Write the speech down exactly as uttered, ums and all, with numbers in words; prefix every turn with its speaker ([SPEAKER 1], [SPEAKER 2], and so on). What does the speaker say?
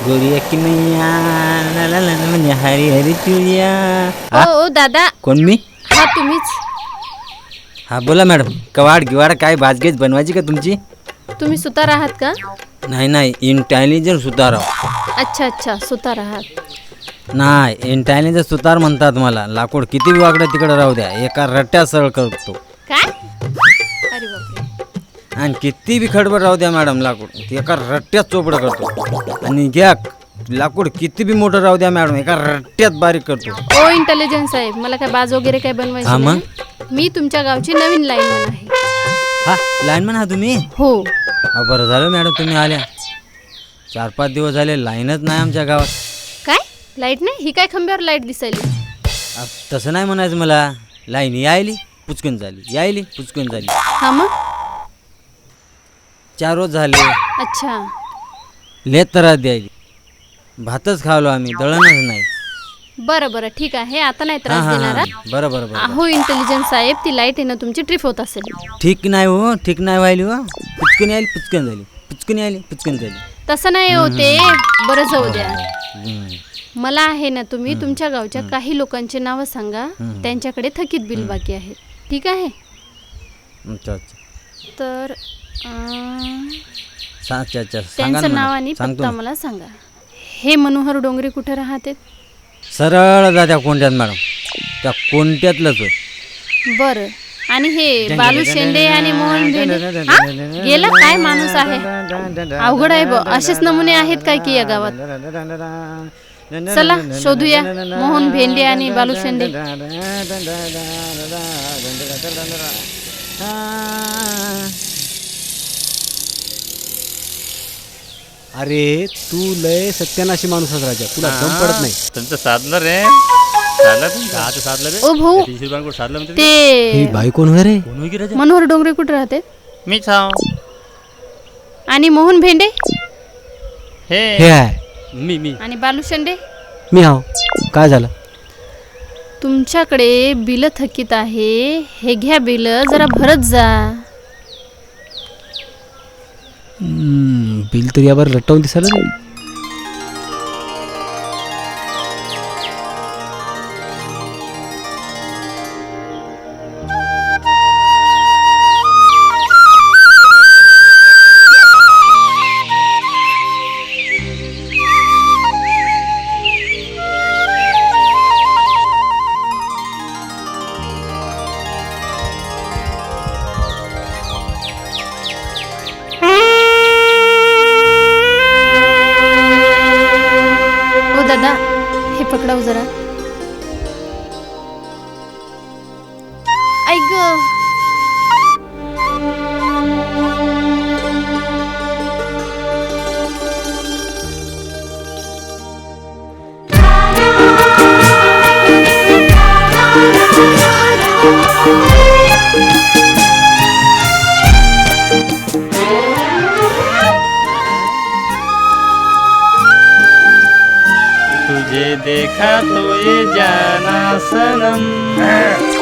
[SPEAKER 1] गोरिया की मैया ला ला ला म्हणजे हरी हरी चुरिया.
[SPEAKER 2] ओ ओ दादा.
[SPEAKER 1] कोण मी?
[SPEAKER 2] हा तुम्हीच.
[SPEAKER 1] हा बोला मॅडम. कवाड गिवाड काय भाजगेज बनवायची का तुमची?
[SPEAKER 2] तुम्ही सुतार आहात का?
[SPEAKER 1] नाही नाही इंटेलिजंट सुतार.
[SPEAKER 2] अच्छा अच्छा सुतार आहात.
[SPEAKER 1] नाही इंटेलिजंट सुतार म्हणतात मला. लाकूड किती वाकडं तिकडं राहू द्या एका रट्ट्यात सरळ करतो.
[SPEAKER 2] काय? अरे बापरे.
[SPEAKER 1] आणि किती बी खडबड राहू द्या मॅडम लाकूड एका रट्ट्यात चोपडं करतो. आणि घ्या लाकूड किती बी मोठं राहू द्या मॅडम एका रट्ट्यात बारीक करतो.
[SPEAKER 2] ओ इंटेलिजन्स साहेब मला काय बाज वगैरे काय बनवायची
[SPEAKER 1] हा मग?
[SPEAKER 2] नाही. मी तुमच्या गावची नवीन लाईनमन आहे.
[SPEAKER 1] हा लाईनमन हा तुम्ही?
[SPEAKER 2] हो.
[SPEAKER 1] हा बरं झालं मॅडम तुम्ही आल्या. चार पाच दिवस झाले लाईनच नाही आमच्या गावात.
[SPEAKER 2] काय लाईट नाही? ही काय खंब्यावर लाईट दिसायली?
[SPEAKER 1] आ, तसं नाही म्हणायचं मला. लाईन यायली पुचकन झाली यायली पुचकन झाली.
[SPEAKER 2] हा मग
[SPEAKER 1] चार रोज झाले.
[SPEAKER 2] अच्छा.
[SPEAKER 1] लेत त्रास द्यायली. भातच खावलो आम्ही दळणच नाही.
[SPEAKER 2] बरं बरं ठीक आहे आता नाही
[SPEAKER 1] हां
[SPEAKER 2] त्रास
[SPEAKER 1] हां
[SPEAKER 2] देणार.
[SPEAKER 1] हां बरं बरं बरं.
[SPEAKER 2] हो इंटेलिजन्स साहेब ती लाईट आहे ना तुमची ट्रिप होत असेल.
[SPEAKER 1] ठीक नाही हो ठीक नाही व्हायली हो. पुचकन यायली पुचकन झाली पुचकन यायली पुचकन झाली.
[SPEAKER 2] तसं नाही होते. बरं जाऊ द्या.
[SPEAKER 1] हम्म.
[SPEAKER 2] मला आहे ना तुम्ही तुमच्या गावच्या काही लोकांचे नावं सांगा. त्यांच्याकडे थकीत बिल बाकी आहेत. ठीक आहे.
[SPEAKER 1] अच्छा अच्छा.
[SPEAKER 2] तर अं,
[SPEAKER 1] सा- अच्छा अच्छा सांगा ना
[SPEAKER 2] त्यांचं नाव
[SPEAKER 1] मॅडम.
[SPEAKER 2] आणि
[SPEAKER 1] सांगतो
[SPEAKER 2] पत्ता
[SPEAKER 1] ना.
[SPEAKER 2] मला सांगा. हे मनोहर डोंगरे कुठे राहते?
[SPEAKER 1] सरळ जा त्या कोणत्यात मॅडम त्या कोणत्यातलंच होय.
[SPEAKER 2] बरं. आणि हे बालू शेंडे आणि मोहन भेंडे हा? गेला काय माणूस आहे. अवघड आहे ब असेच नमुने आहेत काय की या गावात. चला शोधूया मोहन भेंडे आणि बालू शेंडे.
[SPEAKER 3] अरे तू लय सत्यानाशी माणूस आहेस राजा. तुला दम पडत नाही.
[SPEAKER 4] तुमचं साधलं रे साधलं तुमचं
[SPEAKER 3] आता साधलं रे.
[SPEAKER 2] ओ भाऊ
[SPEAKER 4] तीनशे रुपयांकडे साधलं म्हणते
[SPEAKER 2] ते
[SPEAKER 3] बाई कोण होय रे?
[SPEAKER 4] कोण होई की राजा
[SPEAKER 2] मनोहर डोंगरे कुठे राहते?
[SPEAKER 4] मीच हाव
[SPEAKER 2] आणि मोहन भेंडे
[SPEAKER 4] हे
[SPEAKER 3] हे आहे
[SPEAKER 4] मी मी
[SPEAKER 2] आणि बालू शेंडे?
[SPEAKER 3] मी हाव. काय झालं?
[SPEAKER 2] तुमच्याकडे बिल थकीत आहे. हे घ्या बिल जरा भरत जा.
[SPEAKER 3] हम्म, बिल तर यावर लटवून दिसायला नाही.
[SPEAKER 2] दादा हे पकडाव जरा. ऐक
[SPEAKER 4] तुझे देखा तो ये जाना सनम